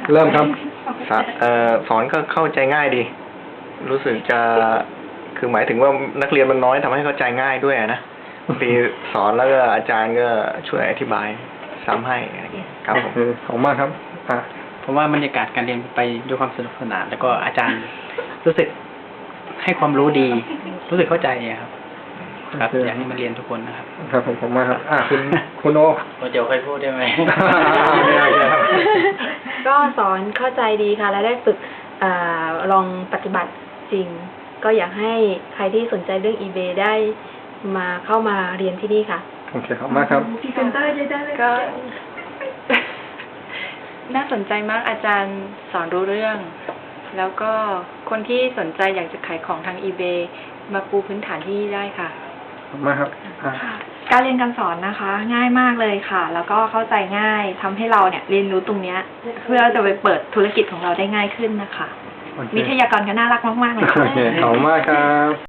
เริ่มครับสอนก็เข้าใจง่ายดี รู้สึกจะคือหมายถึงว่านักเรียนมันน้อยทำให้เข้าใจง่ายด้วยนะบางทีสอนแล้วก็อาจารย์ก็ช่วยอธิบายซ้ำให้อะไรอย่างเงี้ยครับผมขอบคุณมากครับผมว่าบรรยากาศการเรียนไปด้วยความสนุกสนานแล้วก็อาจารย์รู้สึกให้ความรู้ดี รู้สึกเข้าใจครับครับอยากให้มาเรียนทุกคนนะครับครับผมมากครับคุณโอเดี๋ยวค่อยพูดได้ไหมก็สอนเข้าใจดีค่ะและได้ฝึกลองปฏิบัติจริงก็อยากให้ใครที่สนใจเรื่อง eBay ได้มาเข้ามาเรียนที่นี่ค่ะโอเคครับมากครับพรีเซนเตอร์ได้เลยก็ น่าสนใจมากอาจารย์สอนรู้เรื่อง แล้วก็คนที่สนใจอยากจะขายของทาง eBay มาปูพื้นฐานที่นี่ได้ค่ะมาครับการเรียนการสอนนะคะ ง่ายมากเลยค่ะ แล้วก็เข้าใจง่ายทำให้เราเนี่ยเรียนรู้ตรงเนี้ยเพื่อจะไปเปิดธุรกิจของเราได้ง่ายขึ้นนะคะวิทยากรก็น่ารักมากๆเลยค่ะขอบคุณมากครับ